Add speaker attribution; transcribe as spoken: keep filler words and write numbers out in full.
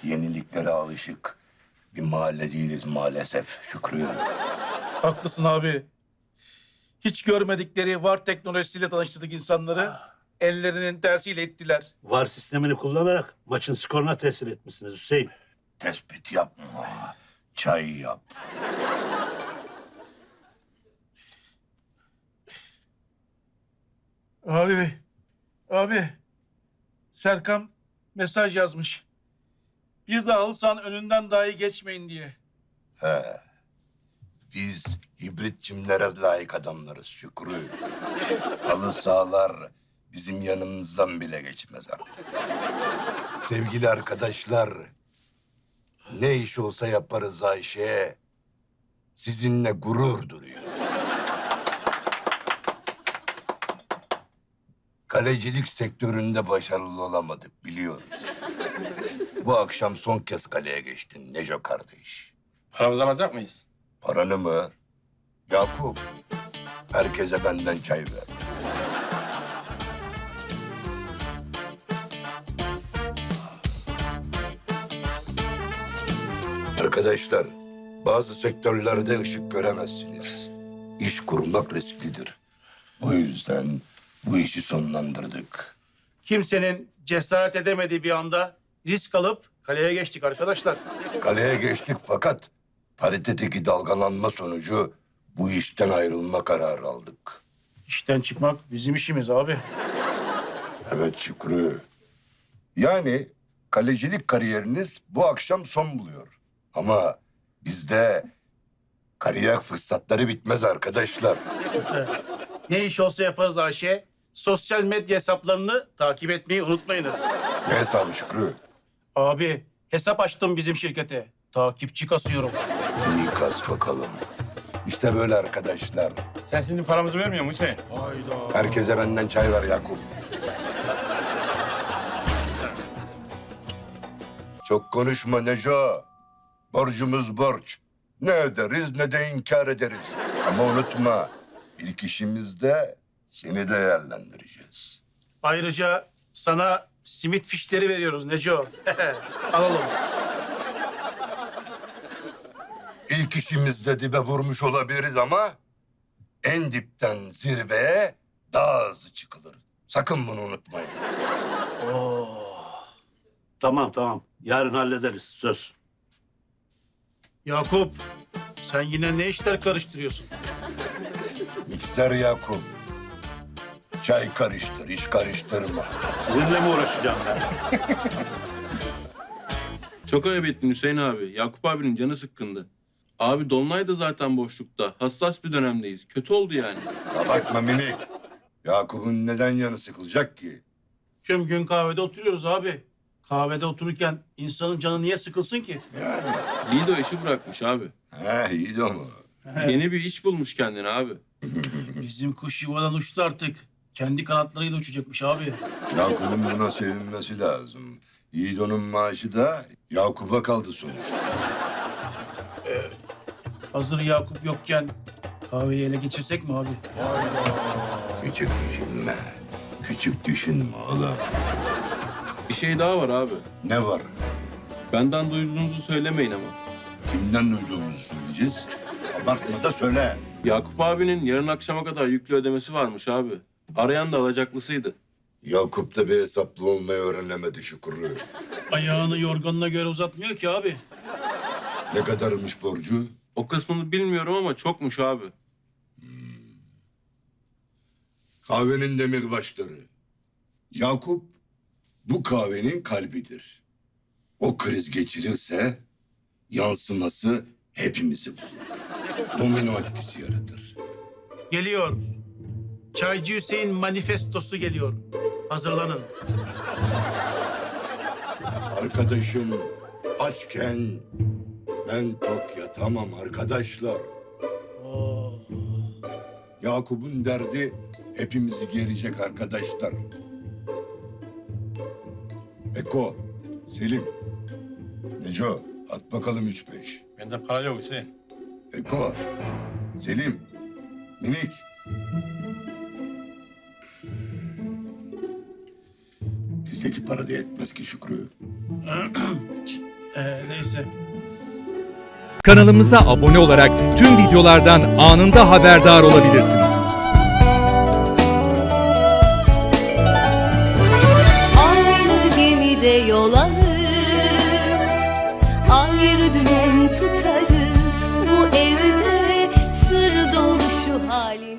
Speaker 1: yeniliklere alışık bir mahalle değiliz maalesef Şükrü.
Speaker 2: Haklısın abi. Hiç görmedikleri var teknolojisiyle tanıştırdık insanları. Ellerinin tersiyle ettiler.
Speaker 3: VAR sistemini kullanarak maçın skoruna tesir etmişsiniz Hüseyin.
Speaker 1: Tespit yapma, çay yap.
Speaker 2: Abi, abi. Serkan mesaj yazmış. Bir daha halı sahanın önünden dahi geçmeyin diye.
Speaker 1: Biz hibrit çimlere layık adamlarız Şükrü. Halı sahalar bizim yanımızdan bile geçmez artık. Sevgili arkadaşlar, ne iş olsa yaparız Ayşe. Sizinle gurur duruyor. Kalecilik sektöründe başarılı olamadık biliyoruz. Bu akşam son kez kaleye geçtin Neco kardeş.
Speaker 4: Paramızı alacak mıyız?
Speaker 1: Paranı mı? Yakup, herkese benden çay ver. Arkadaşlar, bazı sektörlerde ışık göremezsiniz. İş kurmak risklidir. O yüzden bu işi sonlandırdık.
Speaker 2: Kimsenin cesaret edemediği bir anda risk alıp kaleye geçtik arkadaşlar.
Speaker 1: Kaleye geçtik fakat paritedeki dalgalanma sonucu bu işten ayrılma kararı aldık.
Speaker 2: İşten çıkmak bizim işimiz abi.
Speaker 1: Evet Şükrü. Yani kalecilik kariyeriniz bu akşam son buluyor. Ama bizde kariyer fırsatları bitmez arkadaşlar.
Speaker 2: Ne iş olsa yaparız Ayşe. Sosyal medya hesaplarını takip etmeyi unutmayınız.
Speaker 1: Ne hesabı Şükrü?
Speaker 2: Abi hesap açtım bizim şirkete. Takipçi kasıyorum.
Speaker 1: İyi kas bakalım. İşte böyle arkadaşlar.
Speaker 4: Sen şimdi paramızı vermiyor musun Hüseyin?
Speaker 1: Herkese benden çay ver Yakup. Çok konuşma Neco. Borcumuz borç. Ne öderiz ne de inkar ederiz. Ama unutma, ilk işimizde seni değerlendireceğiz.
Speaker 2: Ayrıca sana simit fişleri veriyoruz Neco. Alalım.
Speaker 1: İlk işimizde dibe vurmuş olabiliriz ama en dipten zirveye daha hızlı çıkılır. Sakın bunu unutmayın.
Speaker 3: Tamam tamam. Yarın hallederiz. Söz.
Speaker 2: Yakup, sen yine ne işler karıştırıyorsun?
Speaker 1: Mikser Yakup. Çay karıştır, iş karıştırma.
Speaker 3: Sizinle mi uğraşacağım ben?
Speaker 5: Çok ayıp ettin Hüseyin abi. Yakup abinin canı sıkkındı. Abi Dolunay da zaten boşlukta. Hassas bir dönemdeyiz. Kötü oldu yani.
Speaker 1: Abartma minik. Yakup'un neden yanı sıkılacak ki?
Speaker 2: Tüm gün kahvede oturuyoruz abi. Kahvede otururken insanın canı niye sıkılsın ki?
Speaker 5: İyi de o işi bırakmış abi.
Speaker 1: He iyi de ama.
Speaker 5: Yeni bir iş bulmuş kendine abi.
Speaker 2: Bizim kuş yuvadan uçtu artık. Kendi kanatlarıyla uçacakmış abi.
Speaker 1: Yakup'un buna sevinmesi lazım. Yiğido'nun maaşı da Yakup'a kaldı sonuçta.
Speaker 2: Hazır Yakup yokken kahveyi ele geçirsek mi abi?
Speaker 1: Küçük düşünme. Küçük düşünme oğlum.
Speaker 5: Bir şey daha var abi.
Speaker 1: Ne var?
Speaker 5: Benden duyduğunuzu söylemeyin ama.
Speaker 1: Kimden duyduğumuzu söyleyeceğiz. Abartma da söyle.
Speaker 5: Yakup abinin yarın akşama kadar yüklü ödemesi varmış abi. Arayan da alacaklısıydı.
Speaker 1: Yakup da bir hesaplı olmayı öğrenemedi Şükrü.
Speaker 2: Ayağını yorganına göre uzatmıyor ki abi.
Speaker 1: Ne kadarmış borcu?
Speaker 5: O kısmını bilmiyorum ama çokmuş abi.
Speaker 1: Kahvenin demirbaşları. Yakup bu kahvenin kalbidir. O kriz geçirirse yansıması hepimizi bulur. Domino etkisi yaratır.
Speaker 2: Geliyor. Çaycı Hüseyin manifestosu geliyor. Hazırlanın.
Speaker 1: Arkadaşım açken ben tok yatamam arkadaşlar. Yakup'un derdi hepimizi gerecek arkadaşlar. Eko, Selim, Neco at bakalım üç beş.
Speaker 4: Bende para yok Hüseyin.
Speaker 1: Eko, Selim, Minik. Bizdeki para da yetmez ki Şükrü.
Speaker 2: Ee, neyse.
Speaker 6: Kanalımıza abone olarak tüm videolardan anında haberdar olabilirsiniz.
Speaker 7: Aynı gemide yol alır, ayrı dümen tutarız. Bu evde sır dolu şu halimiz.